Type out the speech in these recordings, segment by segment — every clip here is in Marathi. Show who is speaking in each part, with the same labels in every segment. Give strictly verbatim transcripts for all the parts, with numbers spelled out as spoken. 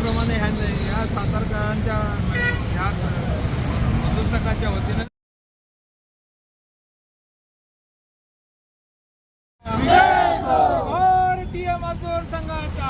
Speaker 1: त्याप्रमाणे ह्या या सातारकरांच्या ह्या मजूर संघाच्या वतीनं भारतीय मजदूर संघाचा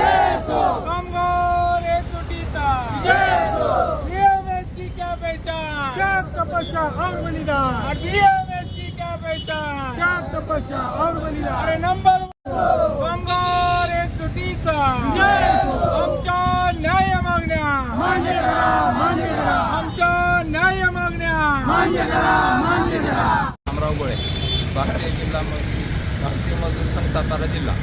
Speaker 1: कामगार एकजुटीचा बीएमएस की क्या पहचान,
Speaker 2: क्या तपस्या और बलिदान,
Speaker 1: और बीएमएस की क्या पहचान,
Speaker 2: क्या तपस्या और बलिदान।
Speaker 1: अरे नंबर कामगार एकजुटीचा आमच्या न्याय मागण्या
Speaker 2: मान्य करा, मान्य करा,
Speaker 1: आमच्या न्याय मागण्या
Speaker 2: मान्य करा, मान्य करा।
Speaker 1: रामराव गोळे, भारतीय जिल्हा म- भारतीय मजदूर संघ सातारा जिल्हा.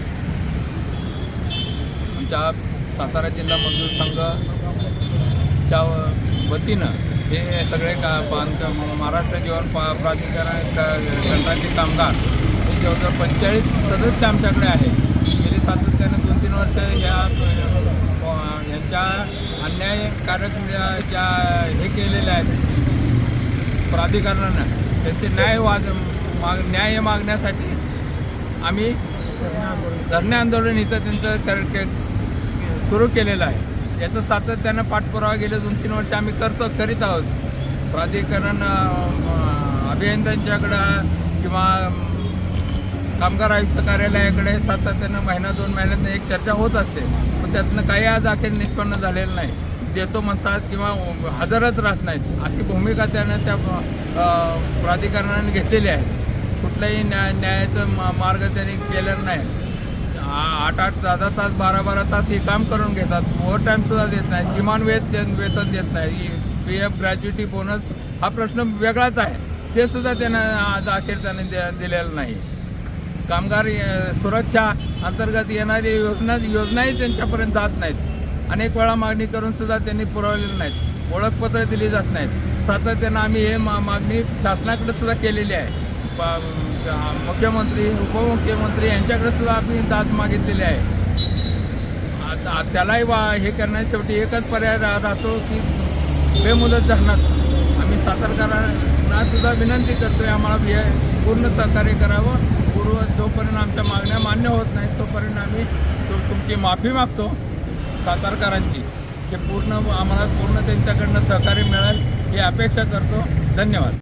Speaker 1: आमच्या सातारा जिल्हा मजदूर संघाच्या वतीनं हे सगळे का बांधकाम महाराष्ट्र जीवन पा प्राधिकरण संघाचे कामगार हे जवळजवळ पंचेचाळीस सदस्य आमच्याकडे आहेत. गेली सातत्यानं दोन तीन वर्ष या यांच्या अन्यायकारक ज्या हे केलेल्या आहेत प्राधिकरणानं त्यांचे न्याय वाद माग न्याय मागण्यासाठी आम्ही धरणे आंदोलन इथं त्यांचं कर सुरू केलेलं आहे. याचं सातत्यानं पाठपुरावा गेले दोन तीन वर्ष आम्ही करतो करीत आहोत. प्राधिकरण अभियंत्यांच्याकडं किंवा कामगार आयुक्त कार्यालयाकडे सातत्यानं महिना दोन महिन्यातनं एक चर्चा होत असते, पण त्यातनं काही आज अखेर निष्पन्न झालेलं नाही. देतो म्हणतात किंवा हजरच राहत नाहीत अशी भूमिका त्यानं त्या प्राधिकरणाने घेतलेली आहे. कुठलंही न्याय न्यायाचं मा मार्ग त्यांनी केलेलं नाही. आठ आठ दहा दहा तास बारा बारा तास हे काम करून घेतात. ओव्हर टाईमसुद्धा देत नाही, किमान वेत वेतन देत नाही. पी एफ ग्रॅज्युटी बोनस हा प्रश्न वेगळाच आहे, ते सुद्धा त्यांना आज अखेर त्याने दे दिलेलं नाही. कामगार सुरक्षा अंतर्गत येणारी योजना योजनाही त्यांच्यापर्यंत जात नाहीत. अनेक वेळा मागणी करून सुद्धा त्यांनी पुरवलेलं नाहीत. ओळखपत्र दिली जात नाहीत. सातत्यानं आम्ही हे मा मागणी शासनाकडे सुद्धा केलेली आहे. मुख्यमंत्री उपमुख्यमंत्री यांच्याकडे सुद्धा आम्ही दाद मागितलेली आहे. आता त्यालाही वा हे करण्यास शेवटी एकच पर्याय रा राहतो की बेमुदत धरणात आम्ही सातारकरांना सुद्धा विनंती करतो आहे आम्हाला हे पूर्ण सहकार्य करावं. पूर्व जोपर्यंत आमच्या मागण्या मान्य होत नाहीत तोपर्यंत आम्ही तो तुमची माफी मागतो सातारकरांची. हे पूर्ण आम्हाला पूर्ण त्यांच्याकडनं सहकार्य मिळेल ही अपेक्षा करतो. धन्यवाद.